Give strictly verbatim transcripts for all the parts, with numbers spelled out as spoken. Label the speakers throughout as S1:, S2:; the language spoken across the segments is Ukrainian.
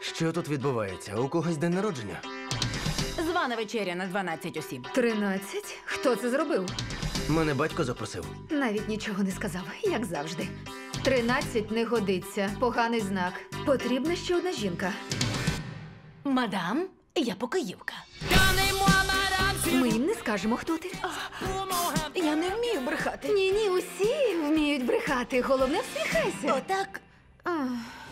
S1: Що тут відбувається? У когось день народження?
S2: Звана вечеря на дванадцять осіб.
S3: Тринадцять? Хто це зробив?
S1: Мене батько запросив.
S3: Навіть нічого не сказав, як завжди. Тринадцять не годиться. Поганий знак. Потрібна ще одна жінка.
S2: Мадам, я покоївка.
S3: Ми їм не скажемо, хто ти.
S2: Я не вмію брехати.
S3: Ні-ні, усі вміють брехати. Головне, всміхайся.
S2: Отак.
S3: Ах.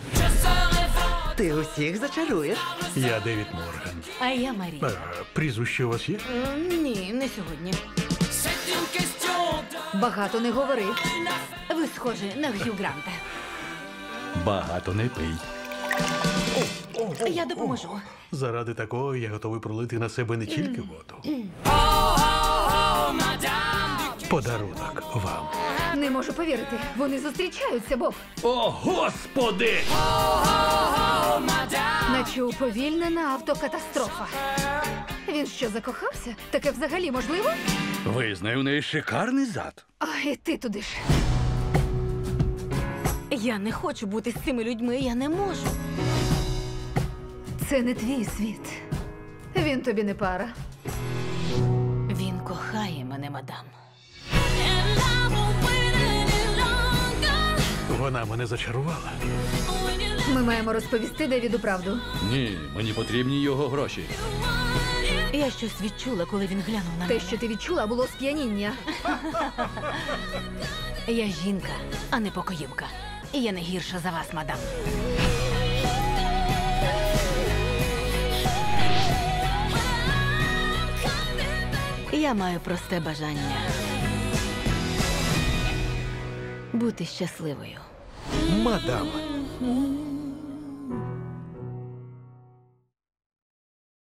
S1: Ти усіх зачаруєш?
S4: Я Девід Морган.
S2: А я Марія.
S4: Е, Прізвище у вас є?
S2: М, Ні, не сьогодні.
S3: Багато не говори.
S2: Ви схожі на Г'ю Гранта.
S4: Багато не пий.
S2: Я допоможу.
S4: Заради такого я готовий пролити на себе не тільки воду. Подарунок вам.
S3: Не можу повірити. Вони зустрічаються, Боб.
S4: О, Господи!
S3: Наче уповільнена автокатастрофа. Він що, закохався? Таке взагалі можливо?
S4: Визнаю, у неї шикарний зад.
S3: А, і ти туди ж.
S2: Я не хочу бути з цими людьми, я не можу.
S3: Це не твій світ. Він тобі не пара.
S2: Він кохає мене, мадам.
S4: Вона мене зачарувала.
S3: Ми маємо розповісти Девіду правду.
S5: Ні, мені потрібні його гроші.
S2: Я щось відчула, коли він глянув на
S3: Те,
S2: мене.
S3: що ти відчула, було сп'яніння.
S2: Я жінка, а не покоївка. І я не гірша за вас, мадам. Я маю просте бажання бути щасливою.
S1: Мадам.